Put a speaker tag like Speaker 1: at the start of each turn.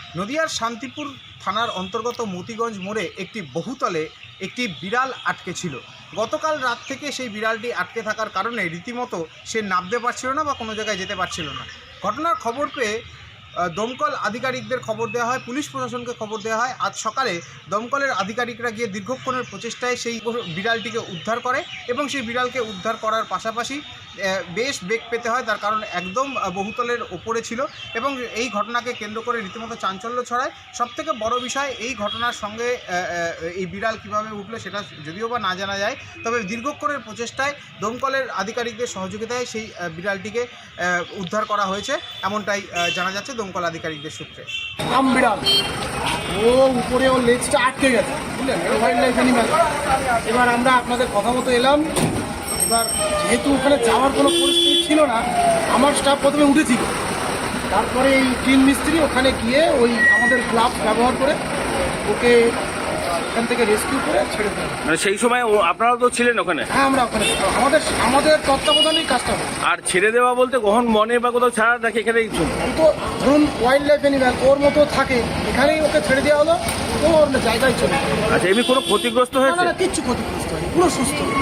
Speaker 1: নদিয়ার শান্তিপুর থানার অন্তর্গত মতিগঞ্জ মোড়ে একটি বহুতলে একটি বিড়াল আটকে ছিল। গতকাল রাত থেকে সেই বিড়ালটি আটকে থাকার কারণে রীতিমতো সে নামতে পারছিল না বা কোনো জায়গায় যেতে পারছিল না। ঘটনার খবর পেয়ে দমকল আধিকারিকদের খবর দেওয়া হয়, পুলিশ প্রশাসনকে খবর দেওয়া হয়। আজ সকালে দমকলের আধিকারিকরা গিয়ে দীর্ঘক্ষণের প্রচেষ্টায় সেই বিড়ালটিকে উদ্ধার করে এবং সেই বিড়ালকে উদ্ধার করার পাশাপাশি বেশ বেগ পেতে হয়, তার কারণ একদম বহুতলের ওপরে ছিল এবং এই ঘটনাকে কেন্দ্র করে রীতিমতো চাঞ্চল্য ছড়ায়। সবথেকে বড় বিষয়, এই ঘটনার সঙ্গে এই বিড়াল কীভাবে উঠলো সেটা যদিও বা না জানা যায়, তবে দীর্ঘক্ষণের প্রচেষ্টায় দমকলের আধিকারিকদের সহযোগিতায় সেই বিড়ালটিকে উদ্ধার করা হয়েছে, এমনটাই জানা যাচ্ছে দমকল আধিকারিকদের সূত্রে।
Speaker 2: আম বিড়াল ও উপরে ওর লেজটা আটকে গেছে, বুঝলেন, ওয়াইল্ড লাইফ অ্যানিম্যাল। এবার আমরা আপনাদের কথা মতো এলাম। এবার যেহেতু ওখানে যাওয়ার কোনো পরিস্থিতি ছিল না, আমার স্টাফ প্রথমে উঠেছিল, তারপরে এই টিন মিস্ত্রি ওখানে গিয়ে ওই আমাদের গ্লাভস ব্যবহার করে ওকে ওখান থেকে রেস্কিউ করে ছেড়ে দেয়।
Speaker 3: মানে সেই সময় আপনারাও তো ছিলেন ওখানে?
Speaker 2: হ্যাঁ, আমরা ওখানে ছিলাম, আমাদের তত্ত্বাবধানেই কাজটা হয়।
Speaker 3: আর ছেড়ে দেওয়া বলতে কখন মনে বা কোথাও ছাড়া রাখে এখানেই?
Speaker 2: এই তো ধরুন ওয়াইল্ড লাইফ অ্যানিম্যাল ওর মতো থাকে, এখানেই ওকে ছেড়ে দেওয়া হলো, ও ওর জায়গায় চলে।
Speaker 3: আচ্ছা, এমনি কোনো ক্ষতিগ্রস্ত হয়েছে?
Speaker 2: না, কিচ্ছু ক্ষতিগ্রস্ত হয়নি, পুরো সুস্থ।